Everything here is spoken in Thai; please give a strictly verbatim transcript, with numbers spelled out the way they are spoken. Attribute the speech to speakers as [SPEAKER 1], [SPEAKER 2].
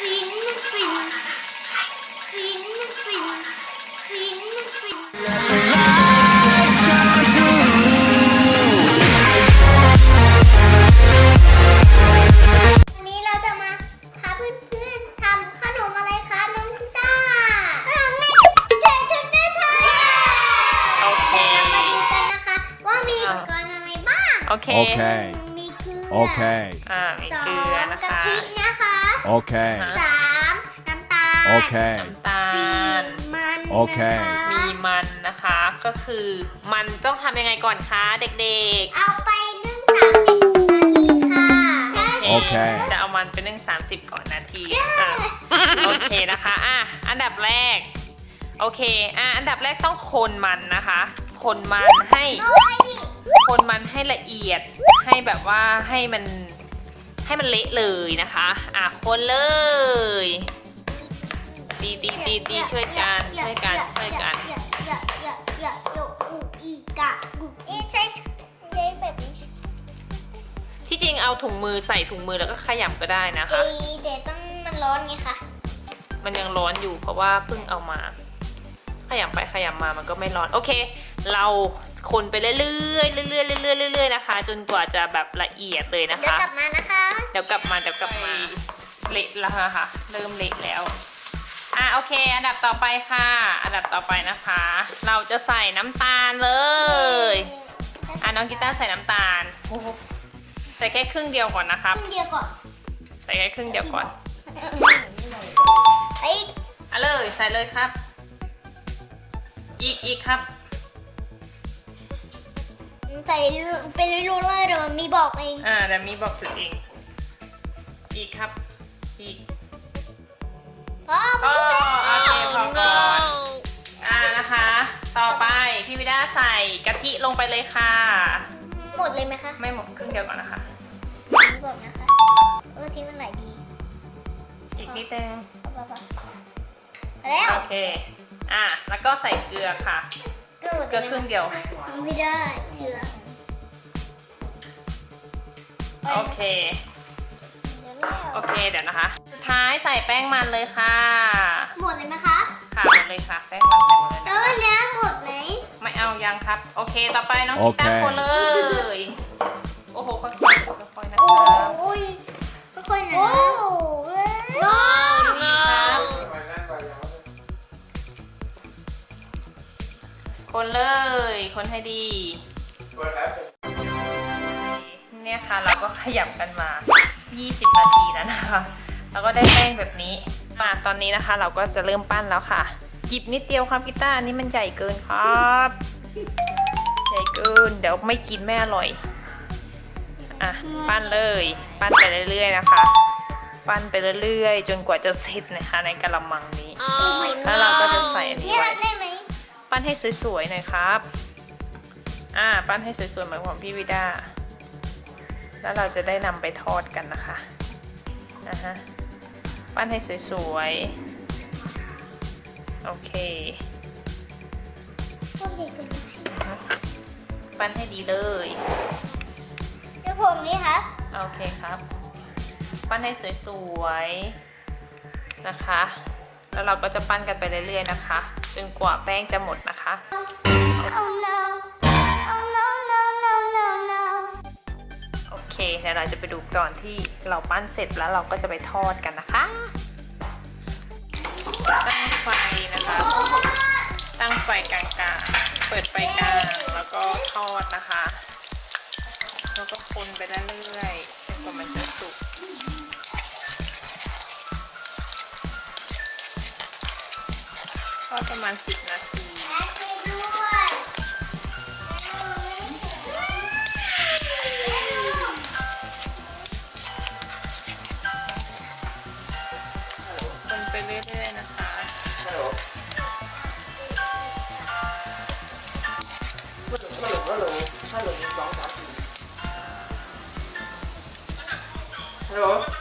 [SPEAKER 1] ฟินฟินฟินฟินฟินฟินวันนี้เราจะมาพาเพื่อนๆทำขนมอะไรคะน้องกีตาร์ขนมในเทปเทปเทปโอเคเรามาดูกันนะคะว่ามีอุปกรณ์อะไรบ้าง
[SPEAKER 2] โอเค
[SPEAKER 3] Okay.
[SPEAKER 1] มีเกลือ
[SPEAKER 3] Okay.
[SPEAKER 2] อ่ามี
[SPEAKER 1] สอ
[SPEAKER 2] เกลือง นะ
[SPEAKER 1] กะ
[SPEAKER 2] คะ
[SPEAKER 1] ทินะคะ
[SPEAKER 3] Okay.
[SPEAKER 1] สามน้ำตาล
[SPEAKER 3] Okay.
[SPEAKER 2] น้ำตา
[SPEAKER 1] สี่
[SPEAKER 2] ล
[SPEAKER 1] มัน
[SPEAKER 3] โอเค
[SPEAKER 1] นะคะ
[SPEAKER 2] มีมันนะคะ ก็คือมันต้องทำยังไงก่อนคะเด็ก
[SPEAKER 1] เอาไปนึ่งสามสิบนาทีค่ะ
[SPEAKER 2] ๆ
[SPEAKER 3] โอเค
[SPEAKER 2] จะเอามันไปนึ่งสามสิบก่อนนาทีอ่ะโอเคนะคะอ่ะอันดับแรกโอเคอ่ะอันดับแรกต้องคนมันนะคะ คนมันให้
[SPEAKER 1] โอ้ยนี่
[SPEAKER 2] คนมันให้ละเอียดให้แบบว่าให้มันให้มันเละเลยนะคะอ่ะคนเลยตีตีตีตีช่วยกันช่วยกันช่วยกัน
[SPEAKER 1] อย่าอย่าอย่าอย่าอย่าอูอีกะอูเอ๊ะใช่ใช่แบบนี้
[SPEAKER 2] ที่จริงเอาถุงมือใส่ถุงมือแล้วก็ขยำก็ได้นะ
[SPEAKER 1] เจ
[SPEAKER 2] คะ
[SPEAKER 1] เดี๋ยวต้องมันร้อนไงคะ
[SPEAKER 2] มันยังร้อนอยู่เพราะว่าเพิ่งเอามา ขยำไปขยำมามันก็ไม่ร้อนโอเค เราคนไปเรื่อยๆเรื่อยๆเรื่อยๆเรื่อยๆนะคะ จนกว่าจะแบบละเอียดเลยนะ
[SPEAKER 1] เดี๋ยว
[SPEAKER 2] คะ
[SPEAKER 1] กลับมานะคะ
[SPEAKER 2] เดี๋ยวกลับมาเดี๋ยวกลับมาเละแล้วค่ะเริ่มเละแล้วอ่ะโอเคอันดับต่อไปค่ะ อันดับต่อไปนะคะ เราจะใส่น้ำตาลเลยอ่ะน้องกีตาร์ใส่น้ำตาลใส่แค่ครึ่งเดียวก่อนนะครับ
[SPEAKER 1] ครึ่งเดียวก่อน
[SPEAKER 2] ใส่แค่ครึ่งเดียวก่อน
[SPEAKER 1] ไอ้
[SPEAKER 2] อ่ะเลยใส่เลยครับ อีกอีกครับ
[SPEAKER 1] ใส่ไปเรื่อยๆเดี๋ยวมันมีบอกเอง
[SPEAKER 2] อ่าแต่มีบอกจุดเองอีกครับอีก
[SPEAKER 1] อ๋อ
[SPEAKER 2] ก็โอเคพอก่อนอ่านะคะ ต่อไปพี่วิด้าใส่กะทิลงไปเลยค่ะ
[SPEAKER 1] หมดเลยไหมคะ
[SPEAKER 2] ไม่หมดครึ่งเดียวก่อนนะคะ
[SPEAKER 1] มีบอกนะคะเออที่มันไหลดี
[SPEAKER 2] อีกนิดนึง
[SPEAKER 1] แล้ว
[SPEAKER 2] โอเคอ่ะแล้วก็ใส่เกลือค่ะ
[SPEAKER 1] เกลือหมด
[SPEAKER 2] เกลือครึ่งเดียว
[SPEAKER 1] ไม่ได้เกลือ
[SPEAKER 2] โอเคโอเคเดี๋ยวนะคะสุดท้ายใส่แป้งมันเลยค่ะ
[SPEAKER 1] หมดเลยไหมคะ
[SPEAKER 2] ค่ะหมดเลยค่ะแป้งมันเต็มเลย
[SPEAKER 1] แล้ว
[SPEAKER 2] นะ
[SPEAKER 1] วันนี้หมดไหม
[SPEAKER 2] ไม่เอายังครับโอเคต่อไปน้อง
[SPEAKER 3] โอ
[SPEAKER 2] กี
[SPEAKER 3] เค
[SPEAKER 2] ตาร์คนเลยโอ้โหค่อยๆค่อยๆนะ
[SPEAKER 1] โอ้
[SPEAKER 2] ครับ
[SPEAKER 1] ยค่อยๆนะโอ้เลย
[SPEAKER 2] นี่ครับคนเลยคนให้ดีเนี่ยค่ะเราก็ขยับกันมายี่สิบนาทีแล้วนะคะแล้วก็ได้แป้งแบบนี้มาตอนนี้นะคะเราก็จะเริ่มปั้นแล้วค่ะหยิบนิดเดียวครับกีตาร์อันนี้มันใหญ่เกินครับใหญ่เกินเดี๋ยวไม่กินไม่อร่อยอ่ะปั้นเลยปั้นไปเรื่อยๆนะคะ ปั้นไปเรื่อยๆจนกว่าจะเสร็จนะคะในกะละมังนี้แล้วเราก็จะใส่อันนี้
[SPEAKER 1] นี่
[SPEAKER 2] ไว้
[SPEAKER 1] ทำได้ไหม
[SPEAKER 2] ปั้นให้สวยๆหน่อยครับอ่าปั้นให้สวยๆเหมือนของพี่วิด้าแล้วเราจะได้นำไปทอดกันนะคะนะฮะปั้นให้สวยๆโอเค
[SPEAKER 1] พวกเด็กกัน
[SPEAKER 2] ปั้นให้ดีเลย
[SPEAKER 1] เดี๋ยวผมนี่ครับ
[SPEAKER 2] โอเคครับ ปั้นให้สวยๆนะคะ แล้วเราก็จะปั้นกันไปเรื่อยๆนะคะจนกว่าแป้งจะหมดนะคะ
[SPEAKER 1] Oh no Oh no no no no no
[SPEAKER 2] โอเคเดี๋ยวเราจะไปดูตอนที่เราปั้นเสร็จแล้วเราก็จะไปทอดกันนะคะ ตั้งไฟนะคะ ตั้งไฟกลางๆเปิดไฟกลางแล้วก็ทอดนะคะแล้วก็คนไปเรื่อยๆจนกว่ามันจะสุกทอดประมาณสิบนาทีคนไปเรื่อยๆนะคะ
[SPEAKER 4] ฮัลโหลฮัลโหลฮัลโหลฮัลโหลหนึ่งสองสามสี่ฮัลโหล